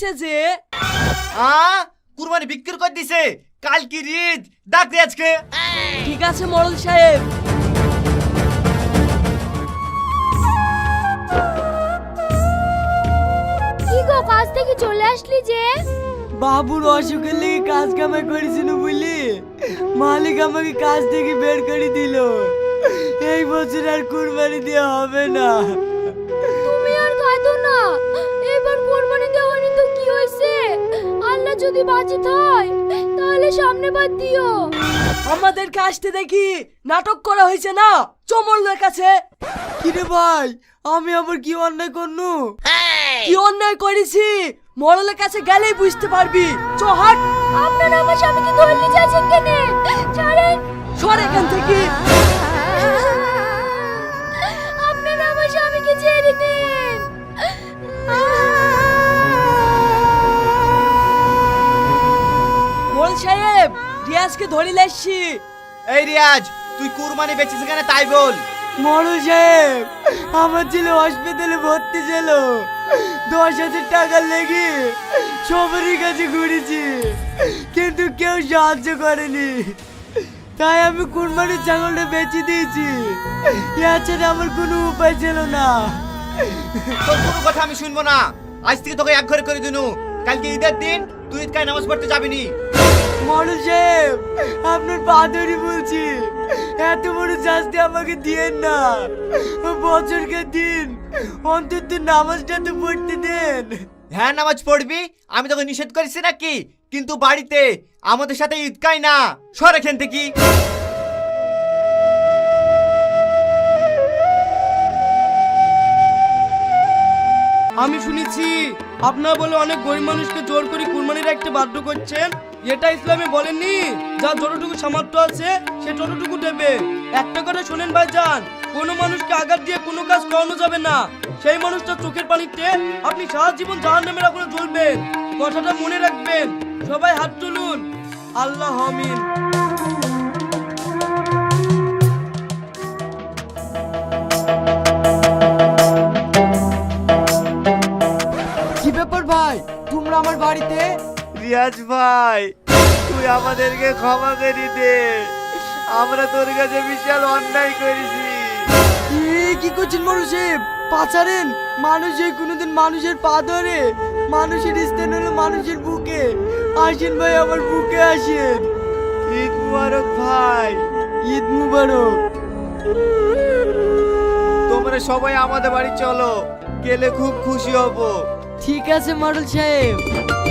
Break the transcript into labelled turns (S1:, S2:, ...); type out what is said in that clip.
S1: ডাকছে যে?
S2: কুরবানি বিক্রি করে দিছে, কাল কি ঈদ, ডাক দে আজকে।
S1: ঠিক আছে মোড়ল সাহেব।
S3: কি গো, কাজ থেকে চলে আসলি যে?
S1: বাবুর অসুখের লেগে কাজ কামাই করেছিল বুঝলি, মালিক আমাকে কাজ থেকে বের করে দিল। এই বছর আর কুরবানি দেওয়া হবে না।
S3: তুমি আর কাঁদো না, এবার কোরবানি দেওয়ানি তো কি হয়েছে, আল্লাহ যদি বাঁচিত হয় তাহলে সামনে বার দিও।
S1: আমাদেরকে আসতে দেখি নাটক করা হয়েছে না চমলের কাছে। কিরে ভাই, আমি আবার কি অন্যায় করনু? কি অন্যায় করেছি মরলের কাছে গেলেই বুঝতে পারবি। চ হাট।
S3: আপনারা আমার স্বামীকে ধরে নিয়ে যাচ্ছেন কেন? ছাড়েন।
S1: সর এখান থেকে।
S3: আপনারা আমার স্বামীকে ছেড়ে দিন।
S1: মোড়ল সাহেব, রিয়াজকে ধরে লাসছি।
S2: এই রিয়াজ, তুই কুরবানি বেচেছিস কেন তাই বল।
S1: মোড়ল সাহেব, আমার ছেলে হসপিটালে ভর্তি ছিল, 10,000 টাকা লেগে সবারই কাছে ঘুরেছি, কিন্তু কেউ সাহায্য করেনি। তাই আমি কুরবানির ছাগলটা বেচে দিয়েছি, এছাড়া আমার কোনো উপায় ছিল না।
S2: তোর কোনো কথা আমি শুনবো না, আজ থেকে তোকে এক ঘরে করে দিনু। কালকে ঈদের দিন, তুই ঈদগায় নামাজ পড়তে যাবি নি।
S1: মোড়ল সাহেব, আপনার পা ধরে বলছি, এত বড় শাস্তি আমাকে দিয়েন না। বছরকে দিন অন্তত নামাজটা তো পড়তে দেন।
S2: হ্যাঁ নামাজ পড়বি, আমি তোকে নিষেধ করেছি নাকি? কিন্তু বাড়িতে আমাদের সাথে ঈদগায় না, সর এখান থেকে।
S4: আমি শুনেছি আপনারা বলে অনেক গরিব মানুষকে জোর করে কুরবানির একটা বাধ্য করছেন। এটা ইসলামে বলেননি, যার যতটুকু সামর্থ্য আছে সে ততটুকু দেবে। একটা কথা শোনেন ভাইজান, কোনো মানুষকে আঘাত দিয়ে কোনো কাজ করানো যাবে না। সেই মানুষটা চোখের পানিতে আপনি সারা জীবন জাহান্নামের আগুনে জ্বলবেন, কথাটা মনে রাখবেন। সবাই হাত তুলুন। আল্লাহ আমিন।
S1: কি ব্যাপার ভাই, তোমরা আমার বাড়িতে?
S2: রিয়াজ ভাই, তুই আমাদেরকে ক্ষমা করে দে, আমরা তোর কাছে বিশাল অন্যায় করেছি।
S1: কি করছেন মোড়ল সাহেব? পা ছাড়েন। মানুষ এই কোনোদিন মানুষের পা ধরে? মানুষের স্থান হলো মানুষের বুকে। আসেন ভাই, আমার বুকে আসেন।
S2: ঈদ মুবারক ভাই।
S1: ঈদ মুবারক।
S2: তোমরা সবাই আমাদের বাড়ি চলো, গেলে খুব খুশি হব।
S1: ঠিক আছে মোড়ল সাহেব।